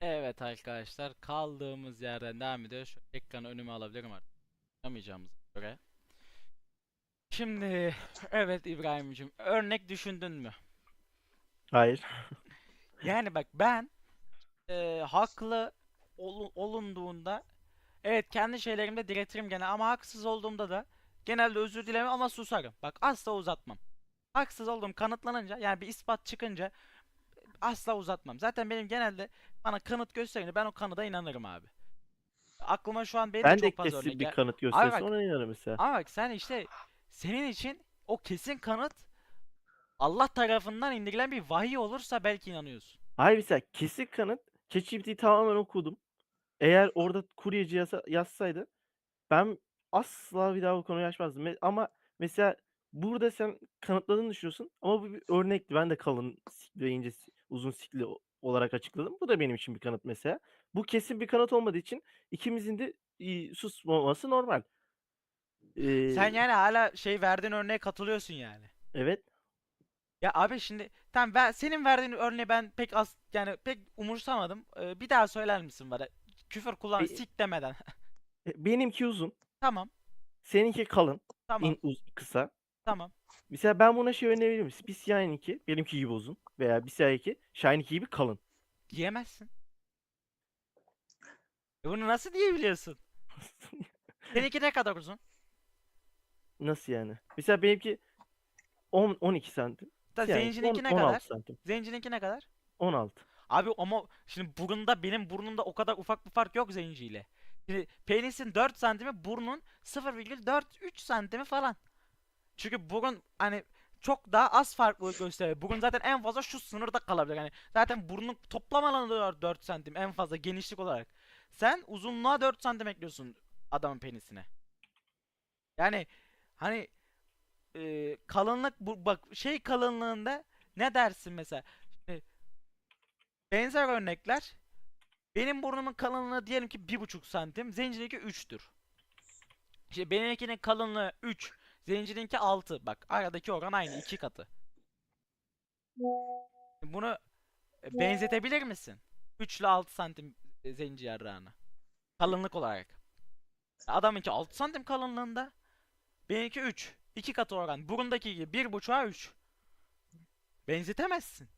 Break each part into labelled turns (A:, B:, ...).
A: Evet arkadaşlar, kaldığımız yerden devam ediyor. Şu ekranı önüme alabilirim artık. Yapamayacağımıza göre. Şimdi evet İbrahim'cim, örnek düşündün mü?
B: Hayır.
A: Yani bak ben haklı olunduğunda evet kendi şeylerimde diretirim gene, ama haksız olduğumda da genelde özür dilemem ama susarım. Bak asla uzatmam. Haksız olduğum kanıtlanınca, yani bir ispat çıkınca asla uzatmam. Zaten benim genelde bana kanıt gösterince ben o kanıda inanırım abi. Aklıma şu an benim de
B: Ben de
A: çok fazla
B: kesin
A: örnek
B: bir
A: gel.
B: kanıt
A: Abi
B: gösterse
A: bak,
B: ona inanırım mesela.
A: ama bak sen işte, senin için o kesin kanıt Allah tarafından indirilen bir vahiy olursa belki inanıyorsun.
B: Hayır, mesela kesin kanıt ChatGPT'yi tamamen okudum. Eğer orada kuryeci yazsaydı ben asla bir daha bu konuyu açmazdım. Ama mesela burada sen kanıtladığını düşünüyorsun ama bu bir örnekti. Ben de kalın sikli ve ince uzun sikli olarak açıkladım. Bu da benim için bir kanıt mesela. Bu kesin bir kanıt olmadığı için ikimizin de susmaması normal.
A: Sen
B: Eee,
A: yani hala şey verdiğin örneğe katılıyorsun yani.
B: evet.
A: Ya abi şimdi tamam, ben senin verdiğin örneği ben pek az, yani pek umursamadım. Bir daha söyler misin bana? Küfür kullan,
B: Be-
A: sik demeden.
B: benimki uzun.
A: Tamam,
B: Seninki kalın.
A: tamam,
B: Kısa.
A: tamam.
B: Mesela ben buna şey önerebilirim. Bir Siyah'ınki benimki gibi uzun veya bir Siyah'ınki Shine'ınki gibi kalın.
A: Diyemezsin. Bunu nasıl diyebiliyorsun? Seninki ne kadar uzun?
B: Nasıl yani? Mesela benimki 12 santim.
A: Da
B: Siyah'ınki
A: zencininki ne
B: 16
A: kadar?
B: santim.
A: Zencininki ne kadar?
B: 16.
A: Abi ama şimdi burunda, benim burnumda o kadar ufak bir fark yok zenciyle. Şimdi penisin 4 santimi, burnun 0,43 santimi falan. Çünkü burun hani çok daha az farklılık gösteriyor. Burun zaten en fazla şu sınırda kalabilir. Yani zaten burnun toplam alanı da 4 santim en fazla genişlik olarak. Sen uzunluğa 4 santim ekliyorsun adamın penisine. Yani hani kalınlık, bu bak şey kalınlığında ne dersin mesela? Şimdi benzer örnekler. Benim burnumun kalınlığı diyelim ki 1,5 santim. Zencininki 3'tür. İşte benimkinin kalınlığı 3. Zencininki 6. Bak aradaki oran aynı, 2 katı. Bunu benzetebilir misin? 3 ile 6 santim zenci yarrağını. Kalınlık olarak. Adamınki 6 santim kalınlığında. Benimki 3. 2 katı oran. Burundaki gibi 1,5'a 3. Benzetemezsin.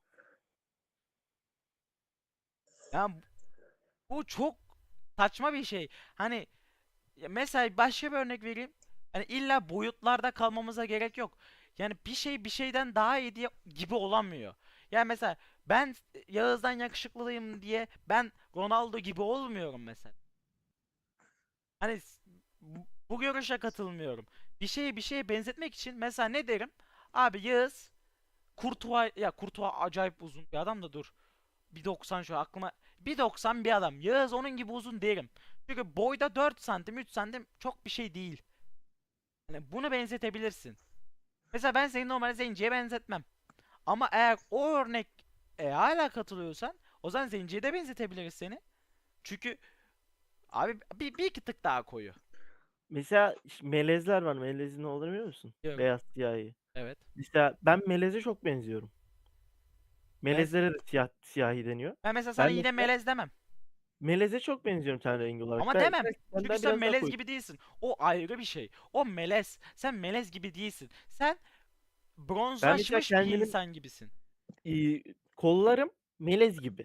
A: Yani bu çok saçma bir şey. Hani ya mesela başka bir örnek vereyim. Hani illa boyutlarda kalmamıza gerek yok. Yani bir şey bir şeyden daha iyi diye gibi olamıyor. Yani mesela ben Yağız'dan yakışıklıyım diye ben Ronaldo gibi olmuyorum mesela. Hani bu görüşe katılmıyorum. Bir şeyi bir şeye benzetmek için mesela ne derim? Abi Yağız Kurtuğa, ya Kurtuğa acayip uzun bir adam da dur. 1,90 şu aklıma. 1,90 bir adam. Yağız onun gibi uzun derim. Çünkü boyda 4 santim 3 santim çok bir şey değil. Hani bunu benzetebilirsin. Mesela ben seni normal zenciye benzetmem. Ama eğer o örnek hala katılıyorsan, o zaman zenciye de benzetebiliriz seni. Çünkü abi bir iki tık daha koyu.
B: Mesela melezler var. Melezin ne olduğunu biliyor musun?
A: Diyorum.
B: Beyaz siyahi.
A: Evet.
B: Mesela ben meleze çok benziyorum.
A: Ben,
B: Melezlere de siyahi deniyor.
A: ben mesela sana
B: Ben
A: yine
B: mesela
A: melez demem.
B: meleze çok benziyorum ten rengi olarak.
A: Ama demem.
B: Belki
A: Çünkü
B: senden
A: sen
B: biraz daha
A: melez
B: koyu.
A: gibi değilsin. O ayrı bir şey. O melez. Sen melez gibi değilsin. Sen
B: Ben mesela
A: bronzlaşmış bir
B: kendimin
A: insan gibisin.
B: kollarım melez gibi.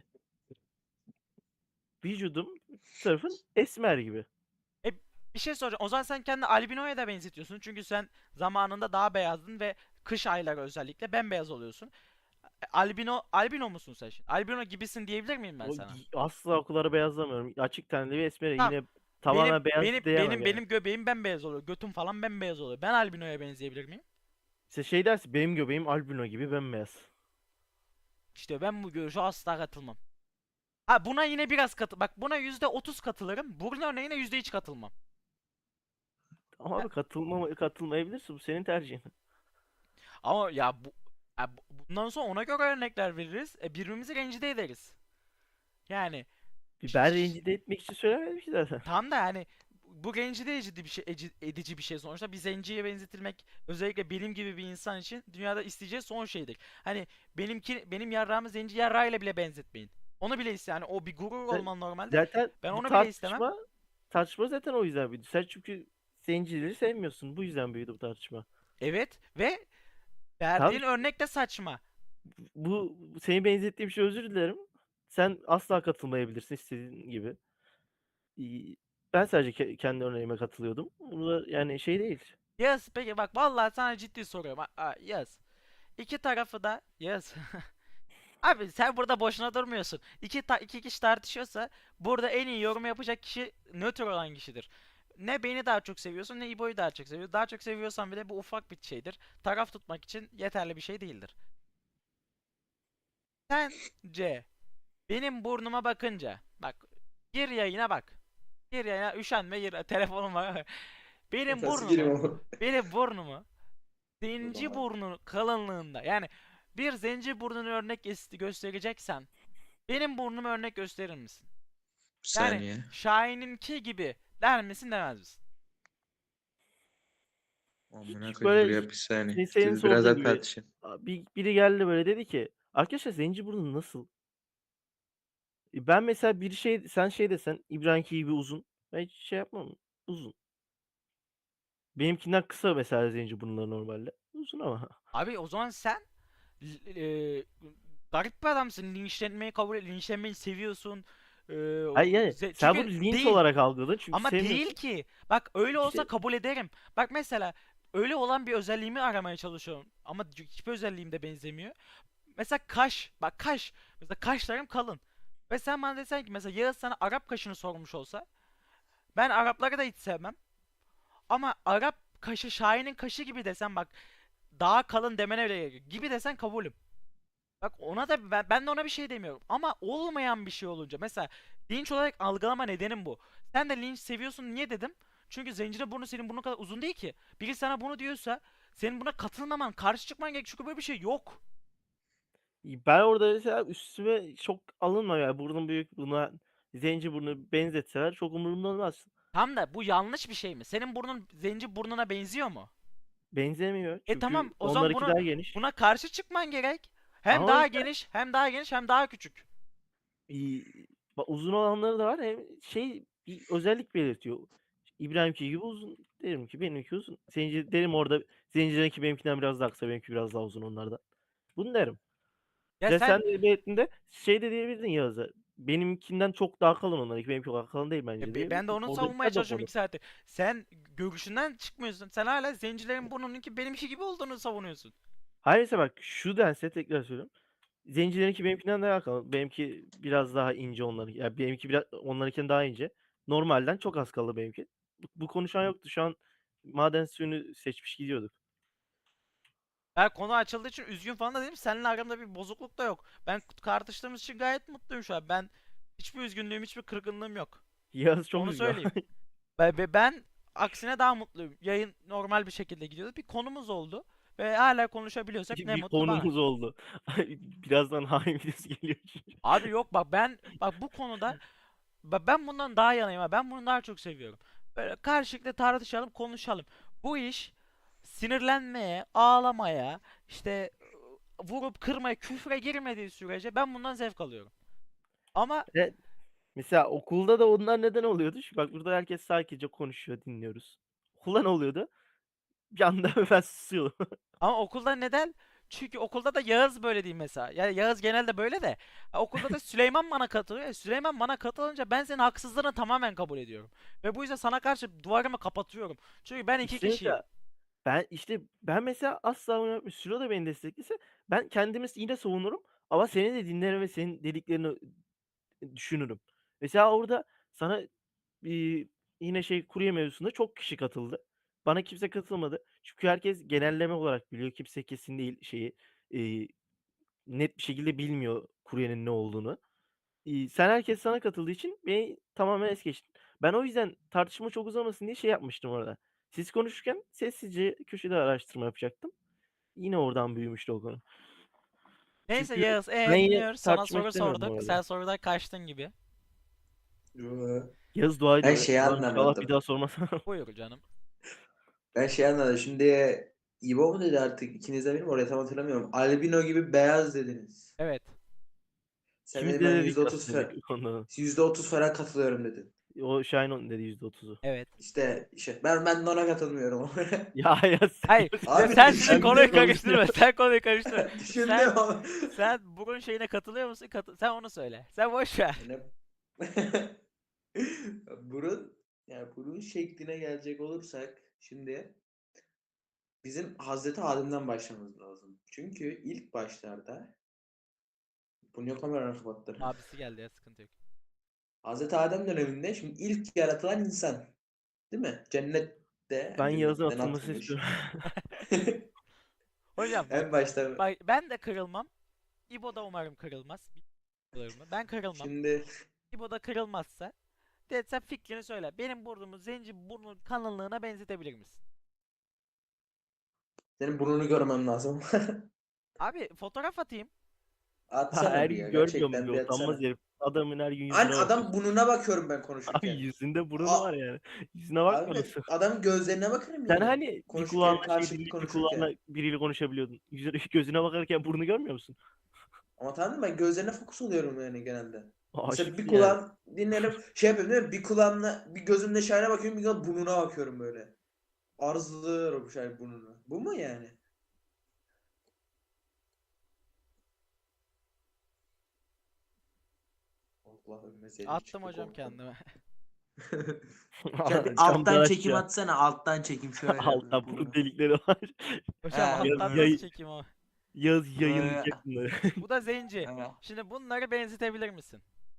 B: Vücudum tarafın esmer gibi.
A: E bir şey soracağım. O zaman sen kendini albinoya da benzetiyorsun. Çünkü sen zamanında daha beyazdın ve kış ayları özellikle bembeyaz oluyorsun. Albino musun sen şimdi? Albino gibisin diyebilir miyim ben sana?
B: Asla okulları beyazlamıyorum. Açık tenli bir esmerim.
A: Tamam.
B: Yine
A: Benim
B: tamamen beyaz
A: benim
B: diyemem
A: benim
B: yani.
A: benim göbeğim bembeyaz oluyor. Götüm falan bembeyaz oluyor. Ben albinoya benzeyebilir miyim?
B: İşte şey dersin benim göbeğim albino gibi bembeyaz.
A: İşte ben bu görüşe asla katılmam. Ha buna yine biraz katı. Bak buna %30 katılırım. Bunun örneğine %3 katılmam.
B: Ama
A: Ha,
B: abi katılmayabilirsin. Bu senin tercihin.
A: ama bundan sonra ona göre örnekler veririz. Birbirimizi rencide ederiz. Yani
B: Ben rencide etmek için söylemedim ki zaten.
A: tam da yani bu rencide edici bir şey, edici bir şey sonuçta. Bir zenciye benzetilmek, özellikle benim gibi bir insan için dünyada isteyeceği son şeydir. Hani benim yarrağımı zenci yarrağıyla bile benzetmeyin. Onu bile iste yani o bir gurur
B: Sen-
A: olman normalde.
B: Zaten
A: Ben
B: bu
A: onu bile istemem.
B: tartışma zaten o yüzden büyüdü. Sen çünkü zencileri sevmiyorsun. Bu yüzden büyüdü bu tartışma.
A: Evet ve
B: Tamam
A: verdiğin
B: işte
A: örnek de saçma.
B: bu seni benzettiğim şey, özür dilerim. Sen asla katılmayabilirsin istediğin gibi. İii, Ben sadece kendi örneğime katılıyordum. Bu da yani şey değil.
A: Yaz peki bak vallahi sana ciddi soruyorum. Yaz. İki tarafı da yaz. Abi sen burada boşuna durmuyorsun. İki kişi tartışıyorsa burada en iyi yorum yapacak kişi nötr olan kişidir. Ne beni daha çok seviyorsun ne İbo'yu daha çok seviyor. Daha çok seviyorsan bile bu ufak bir şeydir. Taraf tutmak için yeterli bir şey değildir. Sence benim burnuma bakınca bak gir yayına bak. Gir yayına üşenme gir telefonuma. Benim
C: Nasıl gireyim
A: burnumu
C: ama?
A: benim burnumu
C: O
A: zenci
C: zaman.
A: burnu kalınlığında yani bir zenci burnunu örnek göstereceksen benim burnumu örnek gösterir misin?
C: Bir
A: Yani
C: saniye.
A: Şahin'inki gibi der misin demez misin?
C: Amına
B: Hiç
C: koyayım, dur
B: böyle
C: ya, bir saniye.
B: senin
C: Siz biraz
B: sorduğun
C: daha
B: gibi
C: tartışın.
B: biri geldi böyle dedi ki arkadaşlar Zenciburnu nasıl? Ben mesela bir şey sen şey desen İbrahim'ki gibi uzun. Ben hiç şey yapmam. Uzun. Benimkinden kısa mesela Zenciburnu'ları normalde. Uzun ama.
A: Abi o zaman sen l- e, garip bir adamsın. Linçlenmeyi seviyorsun.
B: Hayır yani sen bunu
A: Çünkü
B: linç
A: değil.
B: olarak algıladın çünkü
A: Ama değil
B: sevmiyorsun.
A: ki. Bak öyle olsa
B: İşte
A: kabul ederim. Bak mesela öyle olan bir özelliğimi aramaya çalışıyorum. Ama hiçbir özelliğim de benzemiyor. Mesela kaş. Bak kaş. Mesela kaşlarım kalın. Ve sen bana desen ki mesela Yağız sana Arap kaşını sormuş olsa ben Arapları da hiç sevmem. Ama Arap kaşı Şahin'in kaşı gibi desen bak daha kalın demene bile gerek yok. Gibi desen kabulüm. Bak ona da ben de ona bir şey demiyorum. Ama olmayan bir şey olunca mesela linç olarak algılama nedenim bu. Sen de linç seviyorsun niye dedim? Çünkü zencinin burnu senin burnun kadar uzun değil ki. Biri sana bunu diyorsa senin buna katılmaman, karşı çıkman gerek. Çünkü böyle bir şey yok.
B: ben orada mesela üstüme çok alınma ya. Burnum büyük, buna Zenciburnu benzetseler çok umurumda olmaz.
A: Tam da bu yanlış bir şey mi? Senin burnun zenci burnuna benziyor mu?
B: Benzemiyor.
A: Tamam
B: Çünkü
A: o zaman
B: onlarınki daha geniş.
A: buna karşı çıkman gerek. Hem
B: Ama
A: daha
B: işte
A: geniş, hem daha geniş, hem daha küçük.
B: uzun olanları da var. Hem şey bir özellik belirtiyor. İbrahim'ki gibi uzun derim ki benimki uzun. Zenci derim orada zencilerinki benimkinden biraz daha kısa, benimki biraz daha uzun onlardan. Bunu derim.
A: Ya
B: Ya sen
A: sen
B: de belirttiğinde şey de diyebilirdin Yağız'a. Benimkinden çok daha kalın onlarınki. Benimki o kadar kalın değil bence
A: Ben de
B: diyebilirdin.
A: onu
B: Orada
A: savunmaya
B: biter de o
A: çalışıyorum
B: konu.
A: 2 saattir. Sen görüşünden çıkmıyorsun. Sen hala zencilerin burnununki benimki gibi olduğunu savunuyorsun.
B: Hayır mesela bak şu dense tekrar söylüyorum. Zencilerinki benimkinden daha kalın. Benimki biraz daha ince onların. Yani benimki biraz onlarınkinden daha ince. Normalden çok az kaldı benimki. Bu konuşan yoktu. Şu an maden suyunu seçmiş gidiyorduk.
A: Eğer konu açıldığı için üzgün falan da değilim. Seninle aramda bir bozukluk da yok. Ben tartıştığımız için gayet mutluyum şu an. Ben hiçbir üzgünlüğüm, hiçbir kırgınlığım yok.
B: Yağız çok
A: Onu
B: üzgün.
A: söyleyeyim. Ben aksine daha mutluyum. Yayın normal bir şekilde gidiyordu. Bir konumuz oldu. Ve hala konuşabiliyorsak ne
B: Bir
A: mutlu bana.
B: konumuz oldu. Birazdan hain videosu geliyor.
A: Abi yok bak bu konuda ben bundan daha yanayım ha. Ben bunu daha çok seviyorum. Böyle karşılıklı tartışalım, konuşalım. Bu iş sinirlenmeye, ağlamaya, işte vurup kırmaya, küfre girmediği sürece ben bundan zevk alıyorum. Ama
B: Evet. Mesela okulda da onlar neden oluyordu? Bak burada herkes sakince konuşuyor, dinliyoruz. Okulda ne oluyordu? Bir anda ben susuyordum.
A: okulda neden? Çünkü okulda da Yağız böyle değil mesela. Yani Yağız genelde böyle de. Okulda da Süleyman bana katılıyor. Süleyman bana katılınca ben senin haksızlığını tamamen kabul ediyorum. Ve bu yüzden sana karşı duvarımı kapatıyorum. Çünkü ben iki
B: İşte
A: kişiyim.
B: mesela ben mesela asla bunu yapmıyorum. Sülo da beni desteklese ben kendimi yine savunurum ama seni de dinlerim ve senin dediklerini düşünürüm. Mesela orada sana yine şey kurye mevzusunda çok kişi katıldı. Bana kimse katılmadı. Çünkü herkes genelleme olarak biliyor. Kimse kesin değil şeyi eee, net bir şekilde bilmiyor kuryenin ne olduğunu. Sen herkes sana katıldığı için beni tamamen es geçtin. Ben o yüzden tartışma çok uzamasın diye şey yapmıştım orada. Siz konuşurken sessizce köşede araştırma yapacaktım. Yine oradan büyümüştü o konu.
A: Neyse
B: Çünkü
A: Yağız,
B: ben yine
A: dinliyoruz. Sana
B: tartışmak
A: soru
B: istemiyordum
A: sorduk.
B: orada.
A: Sen sorudan kaçtın gibi.
C: Yo.
B: Yağız dua
C: Ben
B: ediyor.
C: şeyi
B: Allah'ım inşallah bir
C: anlamadım.
B: daha sormaz.
A: Buyur canım.
C: Ben şeyi anlamadım. Şimdi İbo mu dedi artık, ikiniz de benim oraya tam hatırlamıyorum. Albino gibi beyaz dediniz.
A: Evet.
C: Sen
B: İkimiz
C: dedin
B: de
C: ben
B: dedik
C: %30
B: aslında bu konuda.
C: %30 falan katılıyorum dedin.
B: O Şahin onun dedi %30'u.
A: Evet.
C: İşte ben de ona katılmıyorum.
B: Ya sen
A: Hayır.
C: Abi
A: Sen şimdi
C: düşündüm
A: konuyu
C: ama.
A: karıştırma. Sen konuyu karıştırma.
C: Düşündüm
A: Sen
C: ama.
A: sen burun şeyine katılıyor musun? Sen onu söyle. Sen boş ver.
C: Yani burun yani burun şekline gelecek olursak şimdi bizim Hazreti Adem'den başlamamız lazım. Çünkü ilk başlarda bu niye kameranı kapattın?
A: Abisi geldi ya, sıkıntı yok.
C: Hazreti Adem döneminde şimdi ilk yaratılan insan. Değil mi? Cennette
B: Ben Yağız'ın
C: cennetten
B: atılmasını
C: atılmış.
B: istiyorum.
A: Hocam bak,
C: En başta
A: bak ben de kırılmam. İbo da umarım kırılmaz. Bilmiyorum mı? Ben kırılmam.
C: şimdi
A: İbo da kırılmazsa. De sen fikrini söyle. Benim burnumu zenci burnu kalınlığına benzetebilir misin?
C: senin burnunu görmem lazım.
A: Abi fotoğraf atayım.
B: Ha,
C: Atsana
B: her
C: bir ya.
B: gün görmüyor mu
C: Gerçekten
B: bir
C: bir
B: utanmaz
C: atsana.
B: herif. Adamın her gün
C: An
B: yüzüne
C: adam
B: bakıyorsun.
C: burnuna bakıyorum ben
B: Abi
C: konuşurken.
B: yüzünde burnu
C: A-
B: var yani. Yüzüne bakma
C: Abi
B: nasıl?
C: adam gözlerine bakarım
B: Sen
C: yani.
B: hani bir
C: Konuşurken
B: kulağınla şey
C: karşılıklı
B: dinleyip bir kulağınla
C: konuşurken.
B: biriyle konuşabiliyordun. Gözüne bakarken burnu görmüyor musun?
C: Ama tamam mı? Ben gözlerine fokus oluyorum yani genelde. Mesela bir
B: Aşıksın yani.
C: kulağım dinlerim şey yapıyorum değil mi? Bir kulağımla bir gözümle Şahin'e bakıyorum bir kulağım burnuna bakıyorum böyle. Arzuluyorum Şahin burnunu. Bu mu yani? Allah'ım mesele
A: Attım
C: çıktı
A: hocam
C: korktum.
A: kendime.
C: Şöyle bir
B: Camdan
C: alttan çekim
B: aşağı.
C: atsana. Alttan çekim şöyle.
B: Altta burun
C: Bunu.
B: delikleri var.
A: Hocam
C: He,
B: Yaz,
A: alttan
C: böyle.
A: nasıl
B: yayı,
A: çekeyim ama?
B: yaz
C: Böyle.
B: yayınlayacak bunları.
A: Bu da zenci.
C: He.
A: Şimdi bunları benzetebilir misin?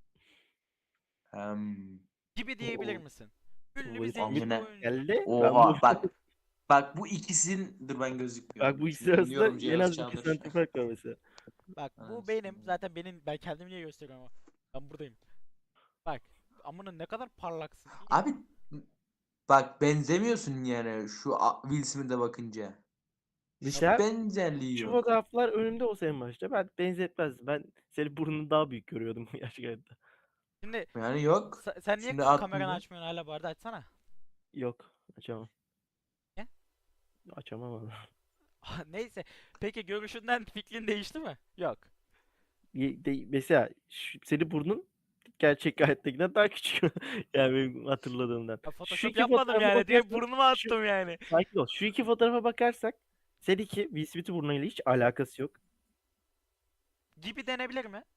C: Hem.
A: Gibi diyebilir
C: Oo.
A: misin? Ünlü
B: Bu
A: bir zenci bir
C: Amına.
A: oyuncu.
B: geldi. Ben bu
C: Oha bak. Bak bu ikisinin dur ben
B: bak
C: gözükmüyorum.
B: bu ikisi
C: Şimdi ünlü
B: arasında
C: yorumcu
B: en
C: Yağız
B: az 2
C: Çağdır.
B: santim fark var mesela.
A: Bak bu benim.
C: Anasını.
A: Zaten ben kendimi niye gösteriyorum ama. Ben buradayım. Bak. Amına ne kadar parlaksın.
C: Abi bak benzemiyorsun yani şu Will Smith'e bakınca. Hiç
B: Mesela
C: benzerliği
B: şu
C: yok.
B: fotoğraflar önümde olsa en başta ben benzetmezdim. Ben senin burnunu daha büyük görüyordum gerçekten.
A: Şimdi
C: Yani yok.
A: sen niye
C: Şimdi
A: kameranı
C: attığında.
A: açmıyorsun hala, bu arada açsana.
B: Yok, açamam.
A: Ne?
B: Açamam valla.
A: Neyse. Peki görüşünden fikrin değişti mi? Yok.
B: Mesela senin burnun gerçek hayattakinden daha küçük. Yani benim hatırladığımdan.
A: Ya
B: Şu
A: Photoshop
B: iki
A: yapmadım
B: fotoğrafa
A: yani. Direkt
B: bakarsak,
A: burnumu attım yani.
B: sakin ol. Şu iki fotoğrafa bakarsak seninki Will Smith'in burnuyla hiç alakası yok.
A: Gibi denebilir mi?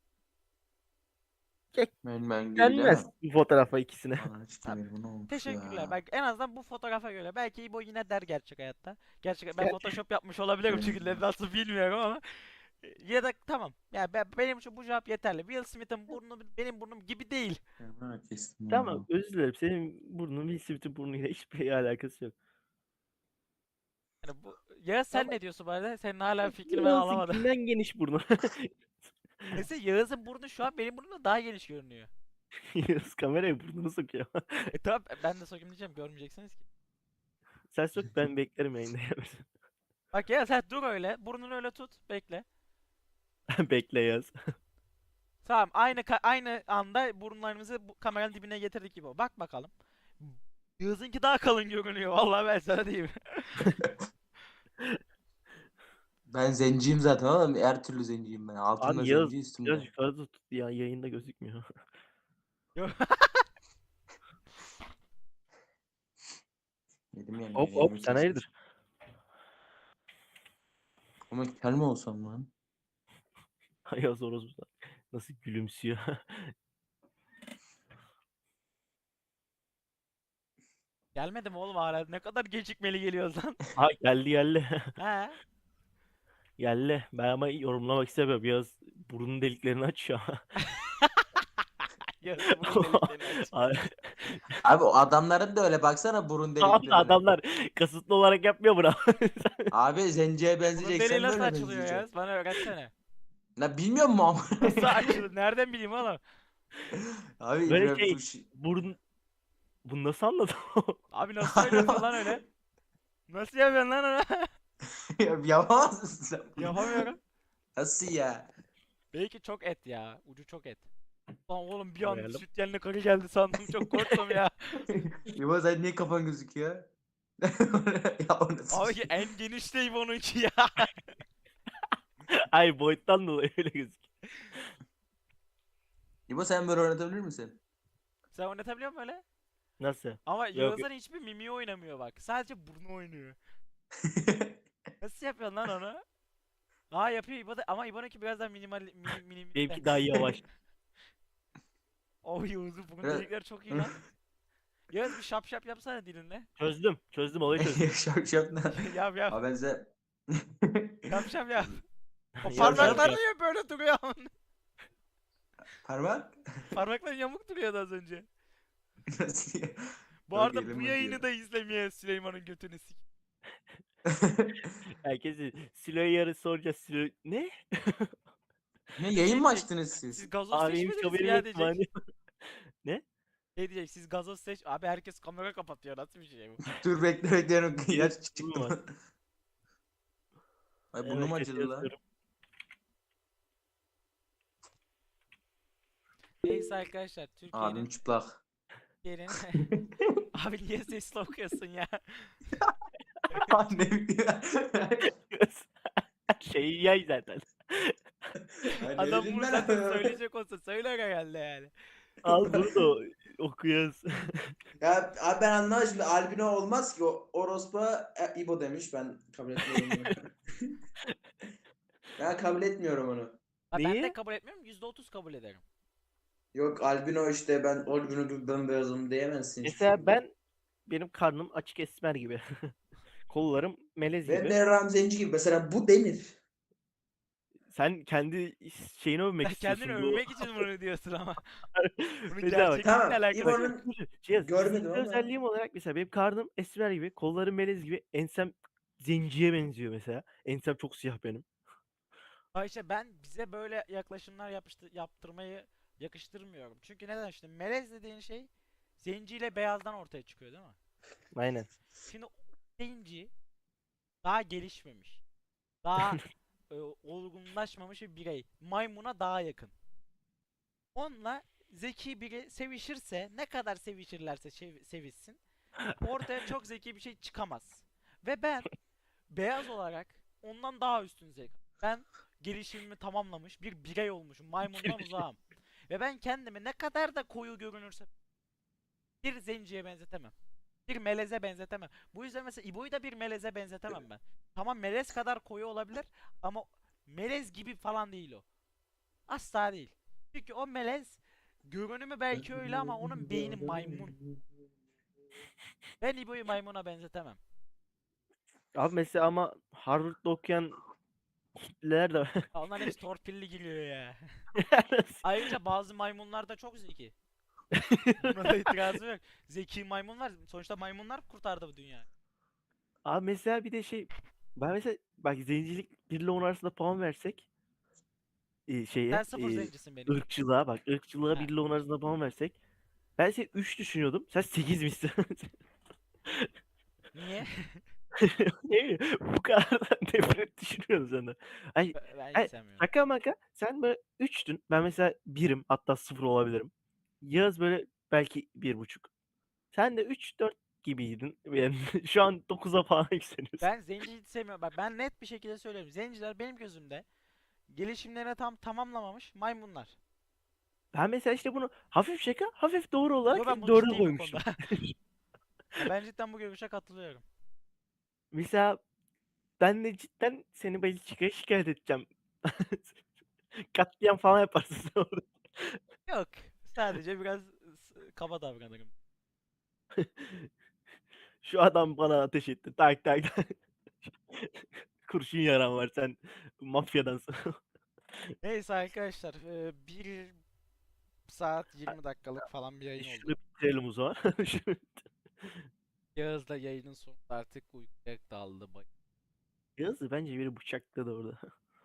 C: Ben gibi
B: Gelmez
C: demem.
B: bu fotoğrafa ikisine.
C: Aa, işte bu ne olmuş
A: Teşekkürler.
C: ya.
A: Bak en azından bu fotoğrafa göre. Belki İbo yine der gerçek hayatta. Gerçek ben Photoshop yapmış olabilirim çünkü nasıl bilmiyorum ama. Ya da tamam. Ya benim için bu cevap yeterli. Will Smith'in burnu benim burnum gibi değil.
C: Ha, kestim
B: Tamam,
C: ya.
B: özür dilerim. Senin burnun Will Smith'in burnuyla hiçbir alakası yok.
A: Yani bu ya sen
B: Ama
A: ne diyorsun bu arada? Senin hala fikrini ben alamadım.
B: Yağız'ınkinden geniş burnu.
A: Mesela Yağız'ın burnu şu an benim burnumda daha geniş görünüyor.
B: Yağız kameraya burnunu sokuyor.
A: Tamam ben de sokayım diyeceğim, görmeyeceksiniz ki.
B: Sen sok, ben beklerim yayında.
A: Bak ya sen dur öyle. Burnunu öyle tut. Bekle.
B: Bekle Yağız.
A: Tamam aynı anda burunlarımızı bu kameranın dibine getirdik gibi. Bak bakalım. Yağız'ınki daha kalın görünüyor. Vallahi ben sana diyeyim.
C: Ben zenciyim zaten oğlum. Her türlü zenciyim ben. Altımda
B: Abi Yağız
C: zenci
B: biraz
C: üstümde.
B: yukarıda tut ya, yayında gözükmüyor.
A: Yok.
C: Dedim yani
B: Hop hop,
C: yayınımı
B: sen
C: kesmiş.
B: hayırdır?
C: Ama kel mi olsam lan?
B: Yağız orospu nasıl gülümsüyor.
A: Gelmedi mi oğlum hala? Ne kadar gecikmeli geliyoruz lan.
B: Ha, geldi geldi.
A: He.
B: Geldi. Ben ama yorumlamak istemiyorum. Yağız burun deliklerini açıyor.
A: Yağız'ın burun deliklerini aç.
B: Abi
C: Abi o adamların da öyle baksana burun
B: tamam da
C: deliklerine.
B: adamlar kasıtlı olarak yapmıyor bunu.
C: Abi zenciye
A: Burun deliği
C: benzeyeceksen
A: nasıl
C: böyle
A: açılıyor
C: benzeyeceksin.
A: Yağız? Bana öğretsene.
C: La bilmiyor musun ama?
A: Nasıl açılıyor? Nereden bileyim oğlum?
C: Abi
B: Böyle
C: İbrahim
B: şey
C: Tuş.
B: burun, bunu nasıl anladın?
A: Abi nasıl söylüyorsun lan öyle? Nasıl yapıyorsun lan onu?
C: Yapamaz mısın sen bunu?
A: Yapamıyorum.
C: Nasıl ya?
A: Belki çok et ya. Ucu çok et. Lan oğlum bir an
B: Koyalım.
A: süt yerine karı geldi sandım. Çok korktum ya.
C: İbo sen niye kafan gözüküyor? Ya o nasıl
A: Abi
C: şey?
A: en geniş değil bununki ya.
B: Ay, boyuttan dolayı öyle gözüküyor.
C: İbo sen böyle oynatabilir misin?
A: Sen oynatabiliyor musun öyle?
B: Nasıl?
A: Ama
B: Yok.
A: Yağız'ın hiçbir mimiği oynamıyor bak. Sadece burnu oynuyor. Nasıl yapıyorsun lan onu? Aa yapıyor İbo da, ama İbo'nunki biraz daha mini.
B: Benimki daha yavaş.
A: Oh Yağız'ın burun
C: Biraz-
A: delikleri çok iyi lan. Yağız bir şap şap yapsana dilinle.
B: Çözdüm. Çözdüm, olayı çözdüm.
C: Şap şap ne?
A: Yap yap.
C: Abi ben size...
A: Şap şap yap. O
C: Şap şap
A: parmaklar
C: yap.
A: niye böyle duruyor?
C: Parmak?
A: Parmaklar yamuk duruyordu az önce.
C: Nasıl ya?
A: Bu
C: Çok
A: arada
C: elim
A: bu yayını
C: acıyor.
A: da izlemeye Süleyman'ın götünü sik.
B: Herkese Silo'ya yarın soracağız. Silo ne?
C: Ne
A: Şey
C: yayın mı
A: diyecek.
C: açtınız
A: Siz
C: siz?
A: gazoz
B: Abi hiç
A: seçmediniz mi
B: haberim
A: ya
B: yok
A: diyecek.
B: mani. Ne?
A: Şey diyecek, siz gazoz seç. Abi herkes kamera kapatıyor, nasıl bir şey bu?
C: Dur bekle bekle. İlaç
B: Yok,
C: çıktı
B: var.
C: mı? Ay
B: Hemen
C: burnum
B: kötü
C: acıdı lan.
B: yazıyorum.
A: Neyse arkadaşlar,
C: Abim
A: Türkiye'nin
C: çıplak.
A: yerini... Abi niye sesli okuyorsun ya?
C: Ne bileyim.
B: Şeyi yay zaten.
C: Ay ne
A: Adam
C: bileyim
A: bunu
C: ben
A: zaten
C: abi.
A: söyleyecek olsa söyler herhalde yani.
B: Al bunu da okuyuz.
C: Ya abi ben anlamadım şimdi albino olmaz ki o orospu İbo demiş ben kabul etmiyorum bunu. Ben kabul etmiyorum onu.
A: Ha, ben de
B: Neyi?
A: kabul etmiyorum, %30 kabul ederim.
C: Yok albino işte ben albino ben beyazım diyemezsin hiçbir
B: Mesela
C: şekilde.
B: benim karnım açık esmer gibi. Kollarım melez
C: Benim
B: gibi.
C: de Ram Zenci gibi mesela bu denir.
B: Sen kendi şeyini övmek
A: Sen kendini
B: istiyorsun bu.
A: övmek için bunu diyorsun ama. Bunun
B: Mesela bak.
A: gerçekliğinle
C: Tamam
A: alakası yok.
C: İbo'nun
B: Şey
C: görmedim
B: fiziksel
C: ama
B: özelliğim olarak mesela benim karnım esmer gibi, kollarım melez gibi, ensem zenciye benziyor mesela. Ensem çok siyah benim.
A: Ha işte ben bize böyle yaklaşımlar yaptırmayı yakıştırmıyorum. Çünkü neden, işte melez dediğin şey zenciyle beyazdan ortaya çıkıyor değil mi?
B: Aynen.
A: Şimdi o zenci daha gelişmemiş. Daha olgunlaşmamış bir birey. Maymuna daha yakın. Onunla zeki biri sevişirse, ne kadar sevişirlerse sevişsin, ortaya çok zeki bir şey çıkamaz. Ve ben beyaz olarak ondan daha üstün zeka. Ben gelişimimi tamamlamış bir birey olmuşum. Maymundan uzağım. Ve ben kendimi ne kadar da koyu görünürse bir zenciye benzetemem. Bir meleze benzetemem. Bu yüzden mesela İbo'yu da bir meleze benzetemem ben. Tamam, melez kadar koyu olabilir ama melez gibi falan değil o. Asla değil. Çünkü o melez görünümü belki öyle ama onun beyni maymun. Ben İbo'yu maymuna benzetemem.
B: Abi mesela ama Harvard'da okuyan kitleler de var.
A: Ya onların hepsi torpilli geliyor ya. Ayrıca bazı maymunlar da çok zeki. Buna da itirazım yok. Zeki maymunlar. Sonuçta maymunlar kurtardı bu dünyayı.
B: Abi mesela bir de şey, ben mesela bak zencilik 1 ile 10 arasında puan versek
A: Sen
B: şeye
A: sıfır zencisin benim için.
B: ırkçılığa, bak ırkçılığa
A: Ha,
B: 1 ile 10 arasında puan versek, ben seni 3 düşünüyordum. Sen 8 misin?
A: niye?
B: Ne bileyim, bu kadar da nefret düşünüyorum senden. Ay,
A: Ben hiç
B: ay
A: sevmiyorum.
B: şaka maka sen böyle 3'tün. Ben mesela 1'im, hatta 0 olabilirim. Yağız böyle belki 1,5. Sen de 3-4 gibiydin. Yani şu an 9'a falan yükseliyorsun.
A: Ben zenci hiç sevmiyorum. Bak ben net bir şekilde söylüyorum. Zenciler benim gözümde gelişimlerini tam tamamlamamış maymunlar.
B: Ben mesela işte bunu hafif şaka, hafif doğru
A: Yo,
B: olarak
A: ben bunu
B: 4'e
A: ciddiyim bu konuda.
B: koymuşum.
A: Ya ben cidden bu görüşe katılıyorum.
B: Mesela ben de cidden seni Belçika'ya şikayet edeceğim. Katliam falan yaparsın sen orada.
A: Yok. Sadece biraz kaba davranırım.
B: Şu adam bana ateş etti. Tak tak tak. Kurşun yaran var, sen mafyadansın.
A: Neyse arkadaşlar, 1 saat 20 dakikalık falan bir yayın
B: Şunu
A: oldu.
B: bitirelim o zaman.
A: Yağız da yayının sonunda artık uykuya daldı.
B: Yağız'ı bence biri bıçakladı orada.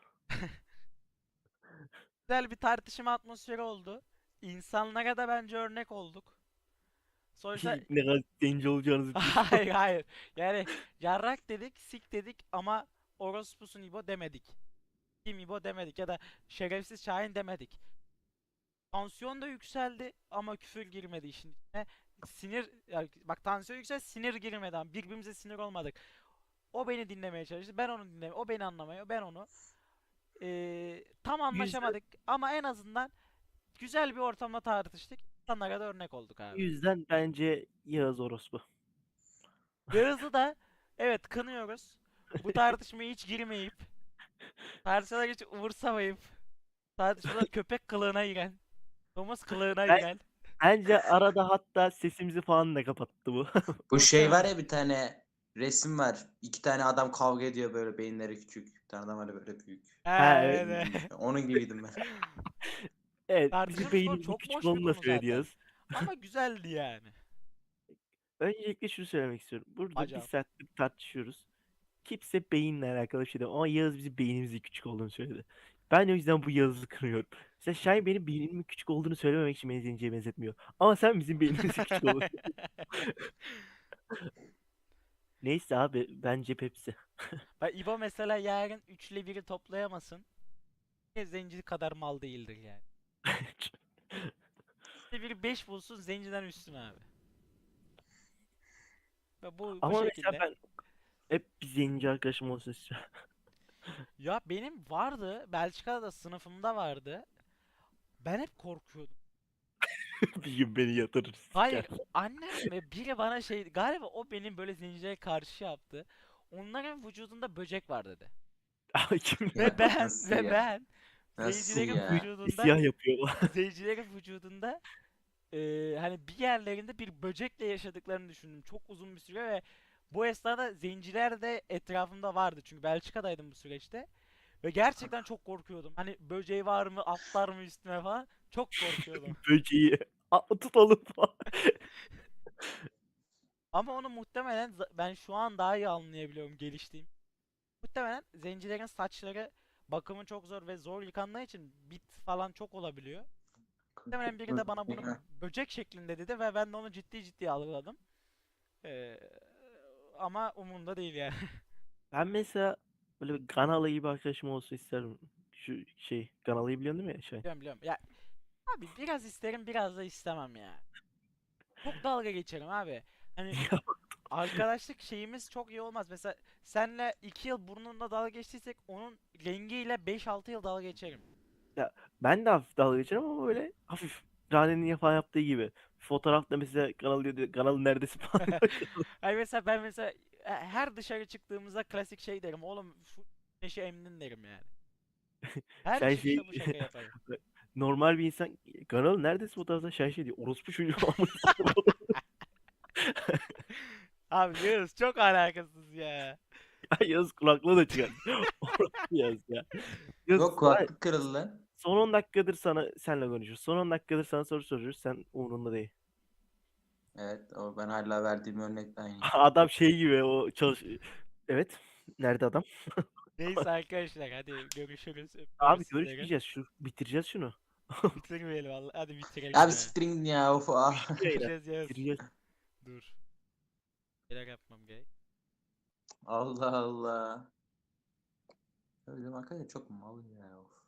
A: Güzel bir tartışma atmosferi oldu. İnsanlara da bence örnek olduk. Sonuçta
B: Ne kadar zenci olacağınızı biliyorsun.
A: hayır hayır. Yani yarrak dedik, sik dedik ama orospusun İbo demedik. Kim İbo demedik ya da şerefsiz Şahin demedik. Tansiyon da yükseldi ama küfür girmedi işin içine. Sinir, yani bak tansiyon yükseldi, sinir girmedi ama birbirimize sinir olmadık. O beni dinlemeye çalıştı, ben onu dinlemeye, o beni anlamaya, ben onu. Tam
B: Güzel.
A: anlaşamadık ama en azından güzel bir ortamda tartıştık. İnsanlara da örnek olduk
B: Bu
A: abi.
B: yüzden bence Yağız orospu.
A: Yağız'ı da evet kınıyoruz. Bu tartışmaya hiç girmeyip, tartışmaları hiç umursamayıp, tartışmalar köpek kılığına giren, domuz kılığına
B: Ben,
A: giren.
B: bence arada hatta sesimizi falan da kapattı bu.
D: Bu şey var
A: Muhtemelen.
D: ya, bir tane resim var. İki tane adam kavga ediyor, böyle beyinleri küçük. Bir tane adam var böyle büyük.
B: Ha, evet.
A: Evet.
D: Onun gibiydim ben.
B: Evet, bizim
A: Tartışılmış konu
B: beynimizin
A: çok
B: küçük
A: boş bir
B: olduğunu da
A: konu zaten.
B: söylüyoruz.
A: Ama güzeldi yani.
B: Öncelikle şunu söylemek istiyorum. Burada bir
A: Acaba.
B: saattir tartışıyoruz. Kimse beyinle alakalı bir şey değil. Ama Yağız bizim beynimizin küçük olduğunu söyledi. Ben o yüzden bu Yağız'ı kınıyorum. Sen Şahin benim beynimin küçük olduğunu söylememek için beni zenciye benzetmiyor. Ama sen bizim beynimizin küçük olduğunu. Neyse abi bence Pepsi.
A: Bak İbo mesela yarın 3 ile 1'i toplayamasın. Yine zenci kadar mal değildir yani. 3 ile 1'i 5 bulsun zenciden üstün abi. Ve bu
B: Ama mesela
A: şekilde.
B: ben hep bir zenci arkadaşım olsun istiyorum.
A: Ya benim vardı. Belçika'da da sınıfımda vardı. Ben hep korkuyordum.
B: Bir gün beni yatırır
A: Hayır,
B: siker.
A: annem ve biri bana şey galiba o benim böyle zencilere karşı yaptı. Onların vücudunda böcek var dedi.
B: Ay kim
D: Ya,
A: Ve ben
D: nasıl
A: ve
D: ya?
A: ben
D: Nasıl
A: zencilerin
D: ya?
A: vücudunda
B: siyah yapıyor.
A: zencilerin vücudunda hani bir yerlerinde bir böcekle yaşadıklarını düşündüm. Çok uzun bir süre ve bu esnada zenciler de etrafımda vardı. Çünkü Belçika'daydım bu süreçte. Ve gerçekten çok korkuyordum. Hani böceği var mı, atlar mı üstüme falan. Çok korkuyordum.
B: Böceği. Tutalım falan.
A: Ama onu muhtemelen ben şu an daha iyi anlayabiliyorum geliştiğim. Muhtemelen zencilerin saçları bakımı çok zor ve zor yıkandığı için bit falan çok olabiliyor. Muhtemelen biri de bana bunu böcek şeklinde dedi ve ben de onu ciddi ciddi algıladım. Ee, ama umurumda değil yani.
B: Ben mesela böyle bir Ganalı gibi arkadaşım olsun isterim. Şu şey Ganalı'yı biliyorsun değil mi şey?
A: Biliyorum biliyorum. Ya abi biraz isterim biraz da istemem ya. Çok dalga geçerim abi. Hani arkadaşlık şeyimiz çok iyi olmaz. Mesela senle 2 yıl burnunda dalga geçtiysek onun rengiyle 5-6 yıl dalga geçerim.
B: Ya ben de hafif dalga geçerim ama böyle hafif Rane'nin falan yaptığı gibi. Fotoğrafta mesela Ganalı diyor, Ganalı neredesin falan.
A: Ay mesela ben mesela her dışarı çıktığımızda klasik şey derim. Oğlum şu neşe emdin derim yani. Her
B: Sen
A: çıkışta
B: şey
A: bu şaka yaparım.
B: normal bir insan Ganalı neredesin fotoğrafta sen şey diyor orospu çocuğu amına
A: Abi Yağız çok alakasız ya.
B: Yaz kulaklığı da çıkar. Orospu Yaz ya. Yaz,
D: Yok, kulaklık kırıldı lan.
B: son 10 dakikadır senle konuşuyoruz. Son 10 dakikadır sana soru soruyoruz. Sen umurunda değil.
D: Evet, o ben hala verdiğim örnekte aynı.
B: Adam şey gibi o Evet. Nerede adam?
A: Neyse arkadaşlar hadi görüşürüz. Öpüyoruz
B: Abi
A: sizleri.
B: görüşmeyeceğiz. Bitireceğiz şunu.
A: Bitirmeyelim vallahi. Hadi bitirelim
D: Abi
A: ya.
D: siktirin gidin ya, of ah.
B: Bitti yayını.
A: Bitireceğiz Yağız.
B: Bitireceğiz.
A: Dur. Şeyler yapmam gerek.
D: Allah Allah. Öyle arkadaşlar çok mal ya, of.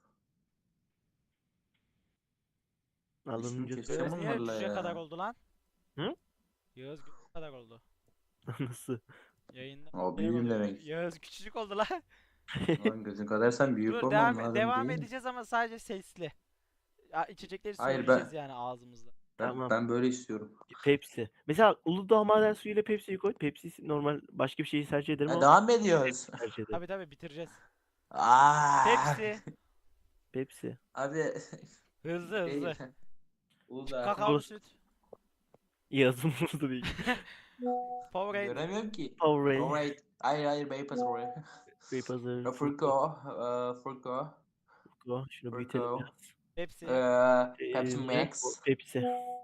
B: Alınınca
D: Kesin
B: söyle.
A: Yağız
D: kesin
A: niye
D: bunlarla
A: cüce kadar
D: ya.
A: oldu lan?
B: Hı?
A: Yağız cüce kadar oldu.
B: Nasıl?
A: Yayında
D: O
A: şey
D: büyüğüm
A: oluyor.
D: demek.
A: Yağız küçücük oldu lan.
D: Lan gözün kadar sen büyük
A: Dur
D: olman lazım
A: devam
D: değil.
A: edeceğiz ama sadece sesli. Ya, içecekleri
D: Hayır,
A: söyleyeceğiz yani ağzımızda.
B: Tamam.
D: ben böyle istiyorum.
B: Pepsi. Mesela Uludağ maden suyuyla Pepsi'yi koy. Pepsi normal başka bir şeyi tercih ederim
D: Ha,
B: ama
D: devam ediyoruz.
B: tercih ederim.
A: Tabi bitireceğiz.
D: Aa.
A: Pepsi.
B: Pepsi.
D: Abi
A: Hızlı
D: şey,
A: hızlı.
D: Uludağ.
A: Kakaolu süt.
B: Yazım burada değil.
A: Powerade.
D: Göremiyorum ki.
B: Powerade.
D: Alright. Hayır Beypazarı.
B: Beypazarı.
D: Furko. Furko.
B: Şunu büyütelim
D: Furko.
B: biraz.
A: Pepsi.
D: Pepsi
B: Red
D: Max.
B: Bull, Pepsi.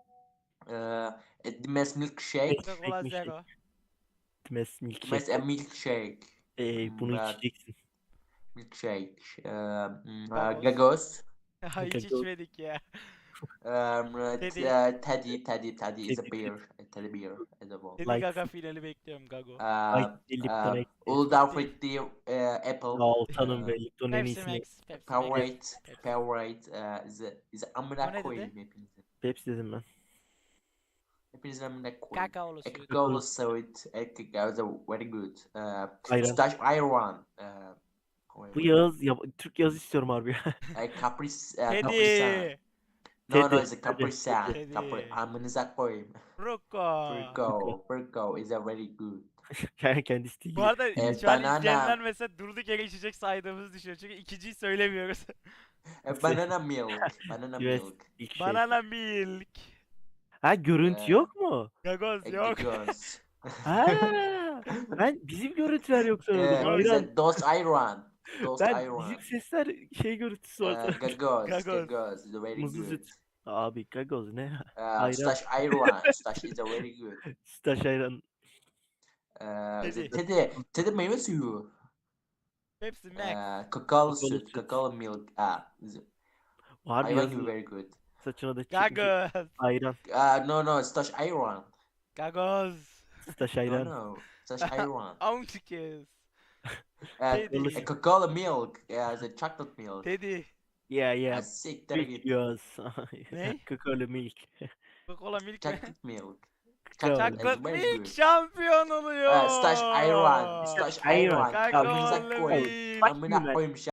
D: Dimes Milkshake.
A: Coca-Cola
B: Ekmek
A: Zero.
B: Dimes
D: Dimes
B: milkshake.
D: Milkshake.
B: Bunu içeceksin.
D: Milkshake.
A: Gagoz.
D: Gagos.
A: Ha hiç
B: Gagoz.
A: içmedik ya. Teddy.
D: Teddy is a
B: Teddy.
D: beer. Teddy beer is a ball.
A: Teddy
B: Light.
A: Gaga finali bekliyorum Gago.
B: Lipton Ice.
D: Uludağ Fruity Apple.
B: Altan'ın ve Lipton'un en
A: Pepsi
B: iyisini.
A: Max. Pepsi Max.
D: Powerade.
A: Pepsi.
D: Powerade is
A: O
D: amına
A: ne
D: koyayım
A: dedi?
D: hepinizi.
B: Pepsi dedim ben.
D: Hepinizi amına koyayım.
A: Kakaolu süt.
D: Coca-Cola Soda. Coca-Cola very good.
B: Ayran.
D: Stash Iron.
B: Bu Yağız, Türk Yağız istiyorum harbi.
D: Caprice.
A: Teddy.
D: No, no,
B: Teddy,
D: it's a
B: Teddy,
D: Kaprisyan.
A: Teddy.
D: Amınıza koyayım.
A: Ruko.
D: Virgo is a very good.
B: Kendisi değil.
A: Bu arada şu an
D: banana.
A: izleyenler mesela durduk yere içecek saydığımızı düşünüyor. Çünkü ikinciyi söylemiyoruz.
D: Banana milk. Banana
B: Evet,
D: milk.
B: ilk şey.
A: Banana milk.
B: Ha görüntü
D: Ee,
B: yok mu?
A: Gagoz yok.
D: Göz.
B: Ha, ben bizim görüntüler yok sanıyordum.
A: Yok.
B: Hayran.
D: Those iron. Those
B: Ben
D: iron.
B: bizim sesler şey görüntüsü var sanıyordum.
D: Gagoz.
A: Gagoz.
D: Gagoz is a very
B: Muzlu
D: good.
B: süt. Abi gagoz ne? Ayran.
D: Stash iron. Stash is a very good.
B: Staş ayran.
A: Teddy.
D: Teddy meyve suyu.
A: Hepsi Max.
D: Kakaolu
B: Kakaolu
D: süt.
B: süt.
D: Kakaolu milk.
B: Harbi
D: Hayvan gibi
B: yazın.
D: very good.
B: Saçına da
A: Gagoz.
B: ayran.
D: No, stash iron.
A: Gagoz.
B: Staş
D: No,
B: ayran.
D: no. Stash iron.
A: Auntikes.
D: A Coca-Cola milk. Yeah, the chocolate milk.
A: Teddy.
B: Yeah.
D: Siktir
B: Milk
D: git.
B: yiyoruz.
A: Ne?
B: Kakaolu milk.
A: Coca-Cola milk mi?
D: Chocolate milk.
B: Kakao.
D: Chocolate is
A: Chocolate
D: very
A: milk
D: good.
A: şampiyon oluyor.
D: Stash iron. Stash
B: Iron.
D: iron.
A: Kakaolu
D: Amınıza koyayım.
A: milk.
B: Bak
D: Amına
B: ben.
D: koyayım